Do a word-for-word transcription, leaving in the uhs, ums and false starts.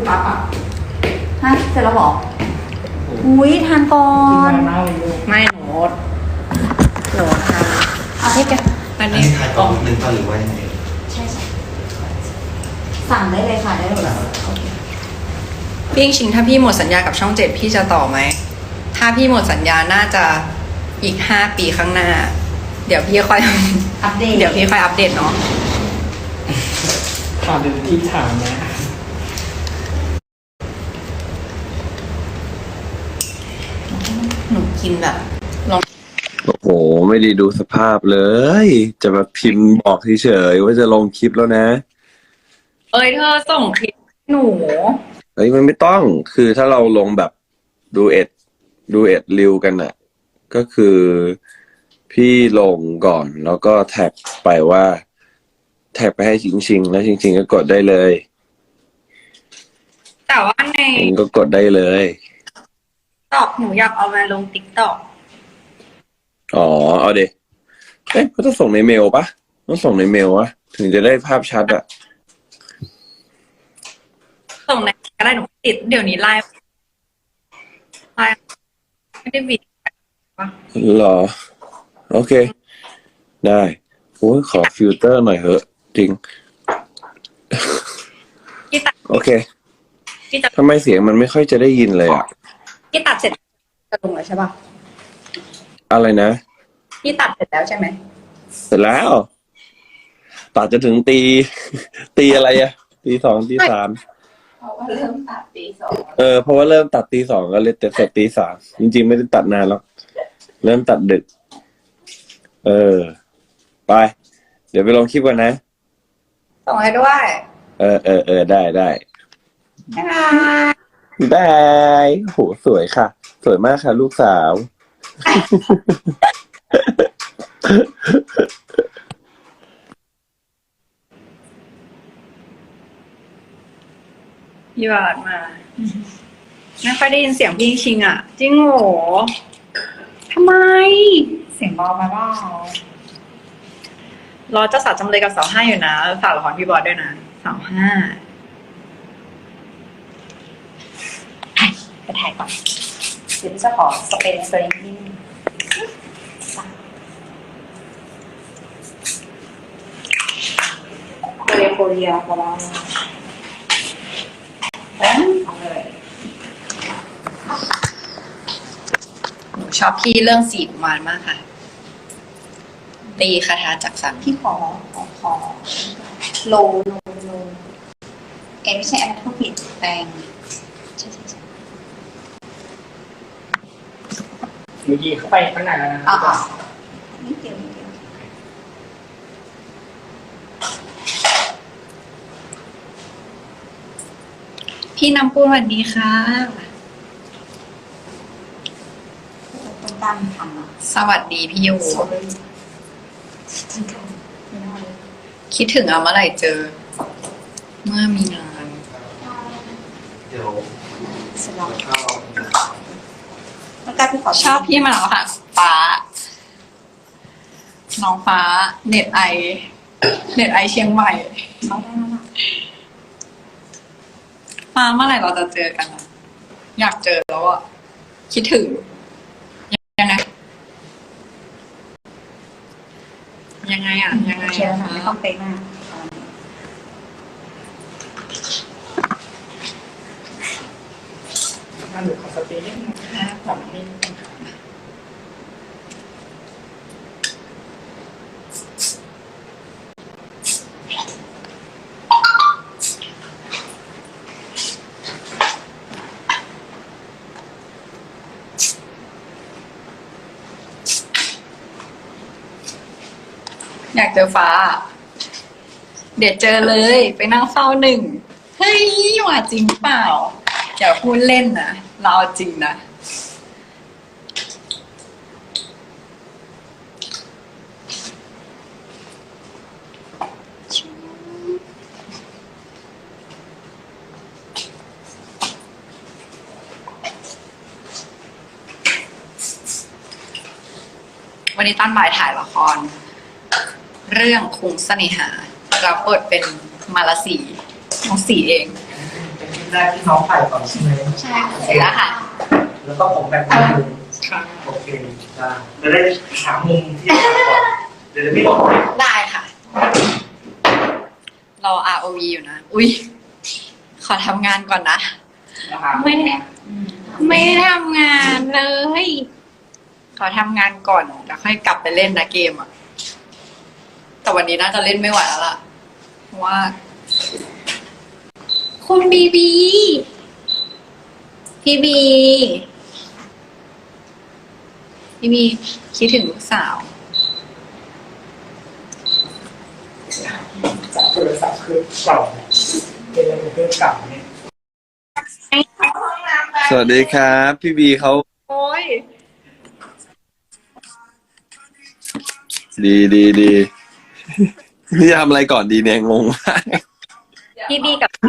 พักอ่ะฮะเสร็จแล้วเหรออุ้ยทานก่อนไม่หนูหนูทานเอาให้แกอันอันนี้นี้ขายกล่องหนึ่งป่ะหรือว่ายังไงใช่ใช่สั่งได้เลยค่ะได้เลยพี่ชิงถ้าพี่หมดสัญญากับช่องเจ็ดพี่จะต่อไหมถ้าพี่หมดสัญญาน่าจะอีกห้าปีข้างหน้า เดี๋ยวพี่ค่อยอัปเดตเดี๋ยวพี่ค่อยอัปเดตเนาะถามเป็นที่ถามนะหนูกินแบบลองโอ้โห ไม่ได้ดูสภาพเลย จะมาพิมพ์บอกเฉยๆว่าจะลงคลิปแล้วนะเอ้ยเธอส่งคลิปให้หนูเฮ้ยมันไม่ต้อง คือถ้าเราลงแบบดูเอ็ดดูเอ็ดริวกันน่ะ ก็คือพี่ลงก่อนแล้วก็แท็กไปว่า แท็กไปให้ชิงชิงๆแล้วชิงชิงๆก็กดได้เลยแต่ว่าในเองก็กดได้เลยตอกหนูอยากเอามาลงติ๊กต็อกอ๋อ เอาเดเอ๊ะก็ต้องส่งในเมลปะต้องส่งในเมลวะถึงจะได้ภาพชัดอะส่งในก็ได้หนูติดเดี๋ยวนี้ไลฟ์ไลฟ์ไม่ได้บิดเหรอ โอเค ได้โอ้ยขอฟิลเตอร์หน่อยเหอะ จริงพี่ตัดโอเคพี่ตัดทำไมเสียงมันไม่ค่อยจะได้ยินเลยอะพี่ตัดเสร็จจะลงแล้วใช่ป่ะอะไรนะพี่ตัดเสร็จแล้วใช่ไหมเสร็จแล้วตัดจะถึงตี ตีอะไรอะตีสองตีสามเพราะว่าเริ่มตัดตีสองเออเพราะว่าเริ่มตัดตีสองก็เลยเสร็จตีสามจริงๆไม่ได้ตัดนานแล้วเริ่มตัดดึก เออ ไป เดี๋ยวไปลงคลิปกันนะส่งให้ด้วยเออเออเออได้ได้บ๊ายบายได้โหสวยค่ะ สวยมากค่ะ ลูกสาวพี่บาทมา ไม่ค่อยได้ยินเสียงพี่ชิงอ่ะ จริงโหรอทำไมเสียงเบาไปเปล่ารอเจ้าสาวจำเลยกับสาวห้าอยู่นะฝากละครพี่บอสด้วยนะสาวห้าไปถ่ายก่อนเดี๋ยวจะขอสเปรย์สเปรย์นิดนึงโคเรียโคเรียของเราเอาเลยหนูชอบพี่เรื่องสีกุมารมากค่ะ ตีคาถาจักสันพี่ขอขอขอโลโลโลเอ็ไม่ใช่แอปทุกผิดแปลงใช่ใช่ใช่เมื่อกี้เข้าไปข้างในแล้วนะอ่านิดเดียวนิดเดียวพี่น้ำปูสวัสดีค่ะคนตั้งทำอ่ะสวัสดีพี่ยูสวยจริงค่ะไม่น่าเลยคิดถึงเอาเมื่อไหร่เจอ เมื่อมีงานเดี๋ยวเสร็จแล้วข้าวแล้วก็พี่ขอชอบพี่มาแล้วค่ะ ฟ้า น้องฟ้า เน็ตไอ เน็ตไอเชียงใหม่เอาได้แล้วล่ะฟ้าเมื่อไหร่เราจะเจอกันอะอยากเจอแล้วอะคิดถึง ยังไง ยังไงอะยังไงเชียร์อะนะไม่ต้องเป๊ะมากนั่นหรือขอสเปรย์นิดนึงนะผมนี่อยากเจอฟ้า เดี๋ยวเจอเลย ไปนั่งเฝ้าหนึ่ง เฮ้ยว่าจริงเปล่า อย่าพูดเล่นนะ เราเอาจริงนะ วันนี้ตั้นบ่ายถ่ายละคร เรื่องคุงเสน่หารับบทเป็นมาลาสีน้องสีเองเป็นคลิปแรกที่น้องถ่ายก่อนใช่ไหมใช่เสร็จแล้วค่ะแล้วก็ผมแบบนั้นเลยค่ะโอเคได้จะได้หามุมที่จะถ่ายก่อนเดี๋ยวจะไม่บอกได้ค่ะ รอ อาร์ โอ วี อยู่นะ อุ้ยขอทำงานก่อนนะนะคะไม่ได้ไม่ได้ทำงานเลย ขอทำงานก่อนแล้วค่อยกลับไปเล่นนะเกมอ่ะ แต่วันนี้น่าจะเล่นไม่ไหวแล้วล่ะ เพราะว่า คุณบีบี พี่บี พี่บีคิดถึงลูกสาวจากโทรศัพท์เครื่องเก่าเป็นอะไรเครื่องเก่าเนี่ยสวัสดีครับ พี่บีเขาโอ้ยดีดีดีนี่จะทำอะไรก่อนดีเนี่ยงงมากพี่บีกับ